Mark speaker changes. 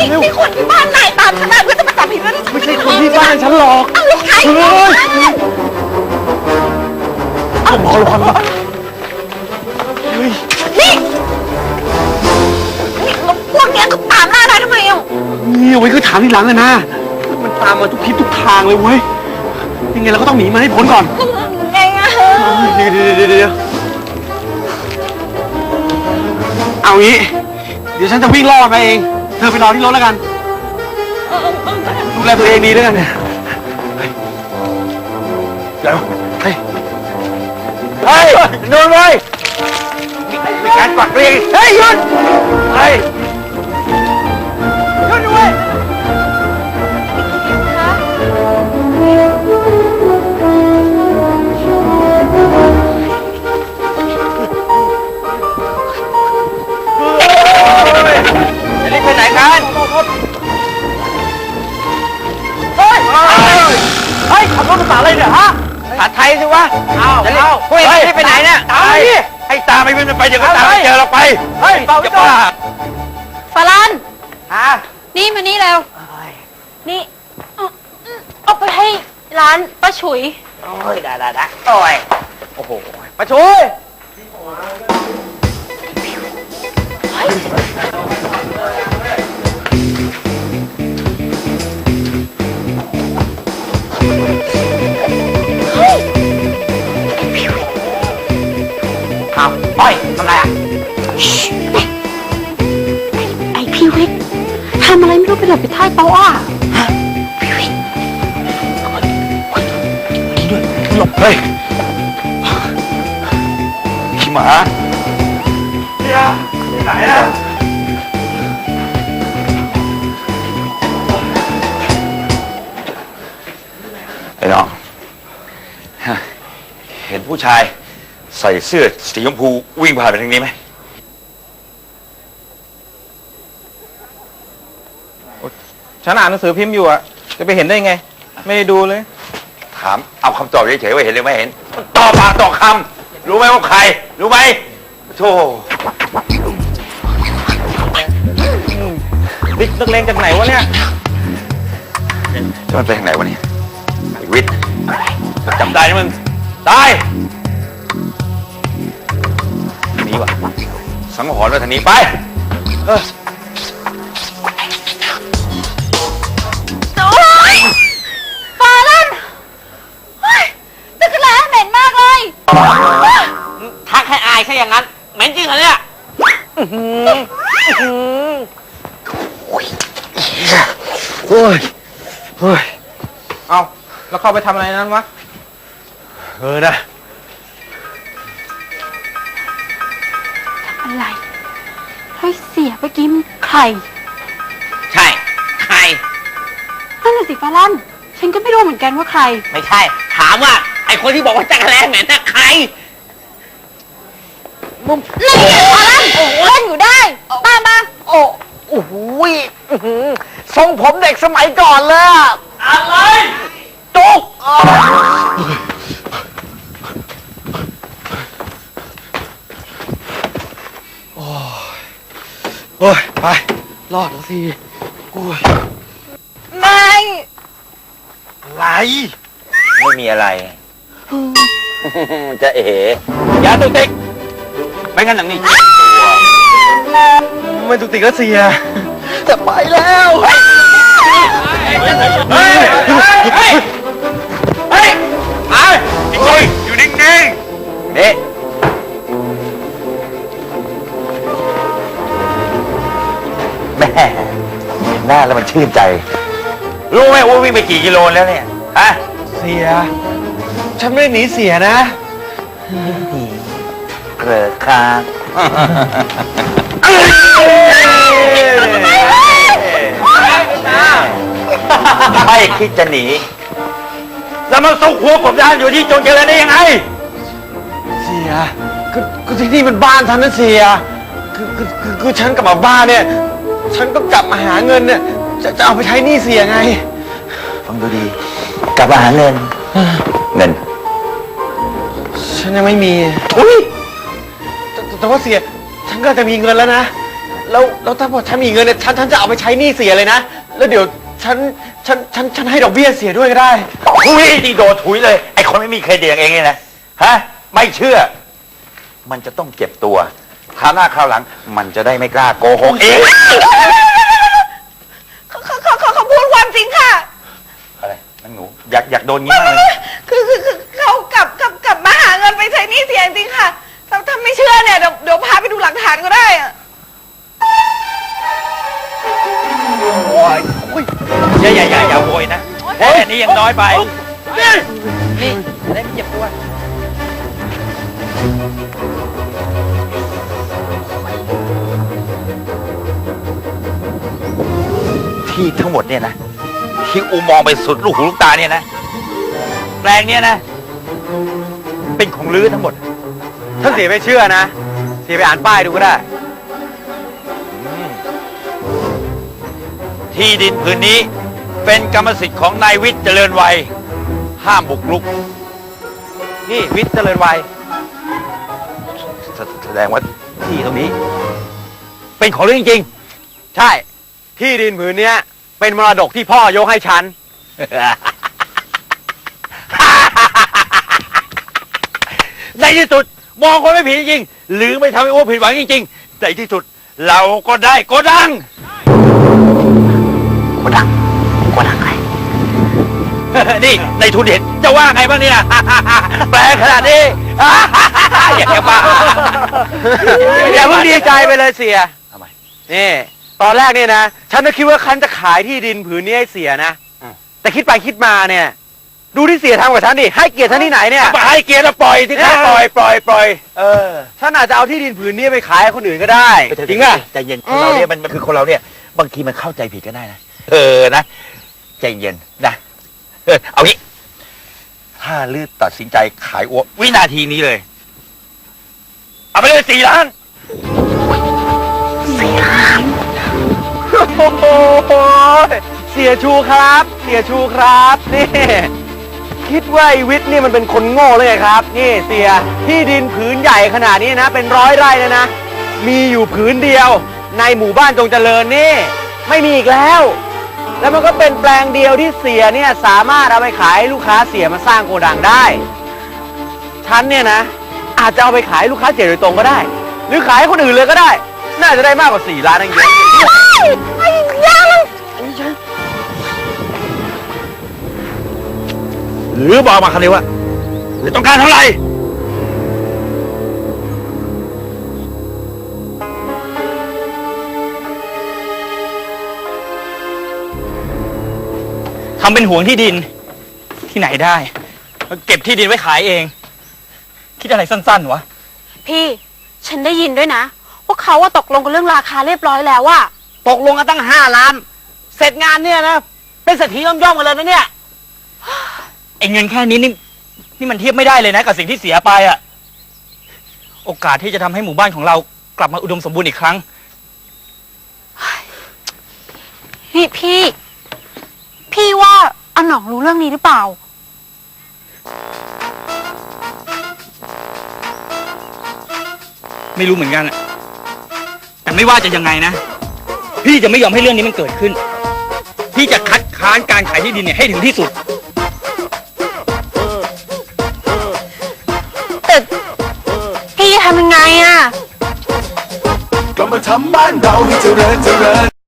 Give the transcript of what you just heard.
Speaker 1: นี่คนที่บ้านนายตามฉันมาเพื่อจะมาจับผิดเรื่อง
Speaker 2: ไม่ใช่คนที่บ้านฉันหรอก
Speaker 1: เอาลูกใคร
Speaker 2: เอาหมอระวังนะเฮ้ย
Speaker 1: นี่พวกเนี้ยก็ตามล่านายทำไมอ่ะ
Speaker 2: นี่เอาไว้คือถามทีหลังเลยนะมันตามมาทุกทิศทุกทางเลยเว้ยยังไงเราก็ต้องหนีมันให้พ้นก่อน
Speaker 1: ไงอ่ะ
Speaker 2: เดี๋ยวเอางี้เดี๋ยวฉันจะวิ่งล่อมาเองเธอไปรอที่รถแล้วกันดูแลตัวเองดีด้วยกันเนี่ยเดี๋ยวเฮ้ยโดนเลยมีการปักเรียงเฮ้ยหยุดเฮ้ยหยุดด้วยจะรีบไปไหนกันเฮ้ยขับรถภาษาอะไรเนี่ยฮะภาษาไทยสิวะจะรีบไปไหนเนี่ยตามดิให้ตามไปมันไปเดี๋ยวก็ตามไม่เจอเราไปเฮ้ยจะบ้า
Speaker 1: ฟาลัน
Speaker 2: ฮะ
Speaker 1: นี่มานี่เร็วนี่เอาไปให้ร้านป้าฉุย
Speaker 2: โอ้ยได้โอ้ยโอ้โหมาช่วย เอาอ้อยทำไรอ่ะ
Speaker 1: ไอพี่วิกทำอะไรไม่รู้ไปหลบไปใต้โต๊ะอ่ะ
Speaker 2: พี่วินนี่ด้วยหลบเฮ้ยขี้หมาเนี่ยไหนอ่ะไอ้น้องเห็นผู้ชายใส่เสื้อสีชมพูวิ่งผ่านไปทางนี้ไหม
Speaker 3: ฉันอ่านหนังสือพิมพ์อยู่อะจะไปเห็นได้ไงไม่ได้ดูเลย
Speaker 2: ถามเอาคำตอบเฉยๆว่าเห็นหรือไม่เห็นตอบปากตอบคำรู้ไหมว่าใครรู้ไหมโธ่
Speaker 3: บิ๊กนักเลงจากไหนวะเนี่ย
Speaker 2: จะมันไปทางไหนวะเนี่ยไอ้วิทย์จำได้นะมึงได้ นี้วะสังหรณ์ว่าทางนี้ไป
Speaker 1: โอ๊ยฟาลันตึกร้านเหม็นมากเลย
Speaker 4: ทักให้อายใช่อย่างนั้นเหม็นจริงเหรอเนี่ย
Speaker 2: โอ้ยเฮ้ย
Speaker 3: เอาแล้วเข้าไปทำอะไรนั้นวะ
Speaker 2: นะ
Speaker 1: อะไรให้เสียไปกินใคร
Speaker 4: ใช่ใคร
Speaker 1: นั่นแหละสิฟาลันฉันก็ไม่รู้เหมือนกันว่าใคร
Speaker 4: ไม่ใช่ ถามว่าไอคนที่บอกว่าจักรแลเหม็นน่ะใคร
Speaker 1: นี่ฟาลันเล่นอยู่ได้ตามมา
Speaker 4: โอ้โหทรงผมเด็กสมัยก่อนเลยอะอะไรจุก
Speaker 2: โอ้ยไปรอดแล้วสิกู
Speaker 1: ไม่
Speaker 2: อะไร
Speaker 4: ไม่มีอะไร
Speaker 2: จะเอ๋ยาตุกติกไม่งั้นหนังนี่ไม่ตุกติกแล้วเสียจะไปแล้วเฮ้ยเฮ้ยเฮ้ยเฮ้ยเฮ้ยอยู่นิ่งๆนี่แม่หน้าแล้วมันชื่นใจรู้ไหมว่าวิ่งไปกี่กิโลแล้วเนี่ยฮะเสียฉันไม่ได้หนีเสียนะเกลือค้างไม่คิดจะหนีแล้วมาซุกหัวผมด้านอยู่ที่จงเจริญได้ยังไงเสียก็ที่นี่เป็นบ้านฉันนะเสียคือฉันกลับมาบ้านเนี่ยฉันก็กลับมาหาเงินเนี่ยจะเอาไปใช้หนี้เสียไงฟังดูดีกลับมาหาเงิน ฉันยังไม่มีอุ้ยแต่ว่าเสียฉันก็จะมีเงินแล้วนะแล้วถ้าพอฉันมีเงินเนี่ยฉันจะเอาไปใช้หนี้เสียเลยนะ แล้วเดี๋ยวฉันให้ดอกเบี้ยเสียด้วยก็ได้
Speaker 5: ทุยดีโดดถุยเลย ไอ้คนไม่มีเครดิตอย่างเองเนี่ยนะฮะไม่เชื่อ มันจะต้องเจ็บตัวคราวหน้าคราวหลัง มันจะได้ไม่กล้าโกหกเอง
Speaker 1: เขาพูดความจริงค่ะ
Speaker 5: อะไรนั่นหนูอยากโดนงี้มากเลย
Speaker 1: คือเขากลับมาหาเงินไปใช้หนี้เสียจริงๆค่ะถ้าไม่เชื่อเนี่ยเดี๋ยวพาไปดูหลักฐานก็ได้อะ
Speaker 5: อย่าโวยนะแค่นี้ยังน้อยไปนี่จะได้ไม่เจ็บตัวที่ทั้งหมดเนี่ยนะที่อูมองไปสุดลูกหูลูกตาเนี่ยนะแปลงเนี่ยนะ เป็นของลื้อทั้งหมด
Speaker 2: ถ้าเสียไม่เชื่อนะ เสียไปอ่านป้ายดูก็ได้
Speaker 5: ที่ดินผืนนี้เป็นกรรมสิทธิ์ของนายวิทย์เจริญวัยห้ามบุกรุก
Speaker 2: นี่วิทย์เจริญวัย
Speaker 5: แสดงว่าที่ตรงนี้ เป็นของเรื่องจริง
Speaker 2: ใช่ ที่ดินผืนเนี้ยเป็นมรดกที่พ่อยกให้ฉัน
Speaker 5: ในที่สุดมองคนไม่ผิดจริงๆหรือไม่ทำให้อ้วผิดหวังจริงๆในที่สุดเราก็ได้โกดังโกดังใคร นี่ในทุนเห็นจะว่าไงบ้างเนี่ย แปลขนาดนี้ อย่าบ้า
Speaker 2: อย่าเพิ่งดีใจไปเลยเสีย
Speaker 5: ทำไม
Speaker 2: นี่ ตอนแรกเนี่ยนะ ฉันก็คิดว่าฉันจะขายที่ดินผืนนี้ให้เสียนะ แต่คิดไปคิดมาเนี่ย ดูที่เสียทำกับฉันดิ ให้เกียรติฉันที่ไหนเนี่ย
Speaker 5: ให้เกียรติเราปล่อยที่ข้าปล่อย
Speaker 2: ฉันอาจจะเอาที่ดินผืนนี้ไปขายให้คนอื่นก็ได้ จริงป่ะ
Speaker 5: ใจเย็นคนเราเนี่ยมันคือคนเราเนี่ย บางทีมันเข้าใจผิดก็ได้นะนะใจเย็นนะเอางี้ถ้าลือตัดสินใจขายอ้ววินาทีนี้เลย เอาไปเลย4 ล้าน
Speaker 2: โอ้โหเสียชูครับ เสียชูครับนี่คิดว่าไอ้วิทย์นี่มันเป็นคนโง่เลยไงครับ นี่เสียที่ดินผืนใหญ่ขนาดนี้นะ เป็น100 ไร่เลยนะ มีอยู่ผืนเดียว ในหมู่บ้านจงเจริญนี่ ไม่มีอีกแล้ว แล้วมันก็เป็นแปลงเดียวที่เสียเนี่ยสามารถเอาไปขายให้ลูกค้าเสียมาสร้างโกดังได้ฉันเนี่ยนะอาจจะเอาไปขายให้ลูกค้าเสียโดยตรงก็ได้ หรือขายให้คนอื่นเลยก็ได้ น่าจะได้มากกว่า4 ล้านนั่นเอง
Speaker 5: หรือบอกมาคำนี้ว่าหรือต้องการเท่าไหร่
Speaker 3: ทำเป็นห่วงที่ดินที่ไหนได้เก็บที่ดินไว้ขายเอง คิดอะไรสั้นๆวะ
Speaker 1: พี่ฉันได้ยินด้วยนะว่าเขาว่าตกลงกันเรื่องราคาเรียบร้อยแล้วว่า
Speaker 4: ตกลงกันตั้ง5 ล้าน เสร็จงานเนี่ยนะ เป็นเศรษฐีย่อมๆกันเลยนะเนี่ย
Speaker 3: ไอ้เงินแค่นี้นี่มันเทียบไม่ได้เลยนะกับสิ่งที่เสียไปอะโอกาสที่จะทำให้หมู่บ้านของเรากลับมาอุดมสมบูรณ์อีกครั้ง
Speaker 1: นี่พี่ว่าอาหน่องรู้เรื่องนี้หรือเปล่า
Speaker 3: ไม่รู้เหมือนกันอะแต่ไม่ว่าจะยังไงนะ พี่จะไม่ยอมให้เรื่องนี้มันเกิดขึ้น พี่จะคัดค้านการขายที่ดินเนี่ยให้ถึงที่สุด
Speaker 1: แต่พี่จะทำยังไงอะ
Speaker 6: ก็มาทำบ้านเราให้เจริญ